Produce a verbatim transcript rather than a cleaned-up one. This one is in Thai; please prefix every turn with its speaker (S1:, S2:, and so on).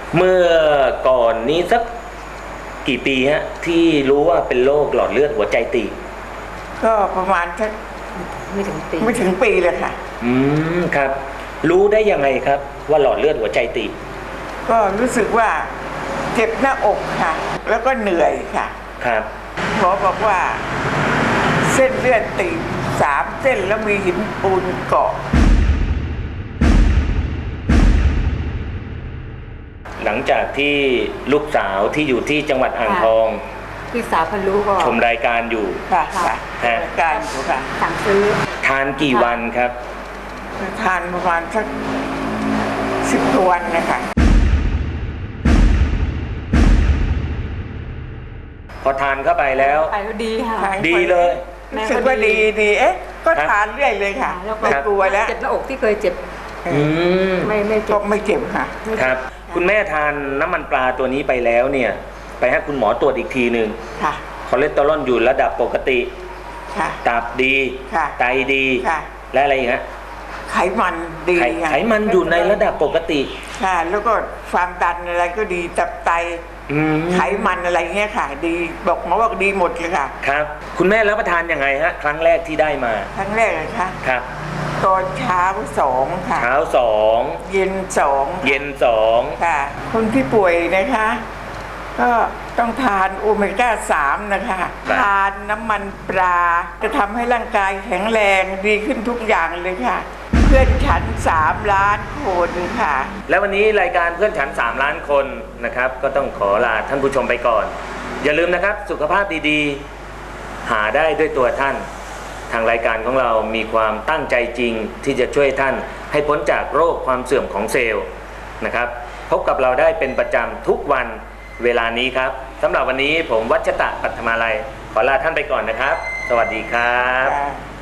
S1: เมื่อก่อนนี้สักกี่ปีฮะที่รู้ว่าเป็นโรคหลอดเลือดหัวใจตีบ
S2: ก็ประมาณสัก
S3: ไม่ถึงปี
S2: ไม่ถึงปีเลยค่ะ
S1: อืมครับรู้ได้ยังไงครับว่าหลอดเลือดหัวใจตีบ
S2: ก็รู้สึกว่าเจ็บหน้าอกค่ะแล้วก็เหนื่อยค่ะ
S1: ครับ
S2: หมอบอกว่าเส้นเลือดตีบสามเส้นแล้วมีหินปูนเกาะ
S1: หลังจากที่ลูกสาวที่อยู่ที่จังหวัดอ่างทอง
S3: พี่สาวพรู้ก็
S1: ชมรายการอยู่
S2: ค่ะค่ะรายการอยู่ค่ะ
S3: สั่งซื้อ
S1: ทานกี่วันครับ
S2: ทานประมาณสักสิบวันนะคะ
S1: พอทานเข้าไปแล้ว
S3: ไปก็ดีค่ะ
S1: ดีเลย
S2: รู้สึกว่าดีดีเอ๊ะก็ทานเรื่อยเลยค่ะไม่กลัวแล้ว
S3: เจ็บหน้าอกที่เคยเจ็บไม่ไม่เจ็บ
S2: ไม่เจ็บค่ะ
S1: ครับคุณแม่ทานน้ำมันปลาตัวนี้ไปแล้วเนี่ยไปให้คุณหมอตรวจอีกทีหนึ่งคอเลสเตอรอลอยู่ระดับปกติตับดีไตดีและอะไรอย่างเงี้ย
S2: ไขมันดี
S1: ไขมันอยู่ในระดับปกติ
S2: ค่ะแล้วก็ความดันอะไรก็ดีตับไตไขมันอะไรเงี้ยค่ะดีบอกหมอบอกดีหมดเลยค่ะ
S1: ครับคุณแม่รับประทานยังไงฮะครั้งแรกที่ได้มา
S2: ครั้งแรกเลยค่ะ
S1: ครับ
S2: ตอนเช้าสองค่ะ
S1: เช้าสอง
S2: เย็นสอง
S1: เย็นสอง
S2: ค่ะคนที่ป่วยนะคะก็ต้องทานโอเมก้าสามนะคะทานน้ำมันปลาจะทำให้ร่างกายแข็งแรงดีขึ้นทุกอย่างเลยค่ะเพื่อนฉันสามล้านคนค่ะ
S1: แล้ววันนี้รายการเพื่อนฉันสามล้านคนนะครับก็ต้องขอลาท่านผู้ชมไปก่อนอย่าลืมนะครับสุขภาพดีๆหาได้ด้วยตัวท่านทางรายการของเรามีความตั้งใจจริงที่จะช่วยท่านให้พ้นจากโรคความเสื่อมของเซลล์นะครับพบกับเราได้เป็นประจำทุกวันเวลานี้ครับสำหรับวันนี้ผมวัชตะปัทมาลัยขอลาท่านไปก่อนนะครับสวัสดีครับ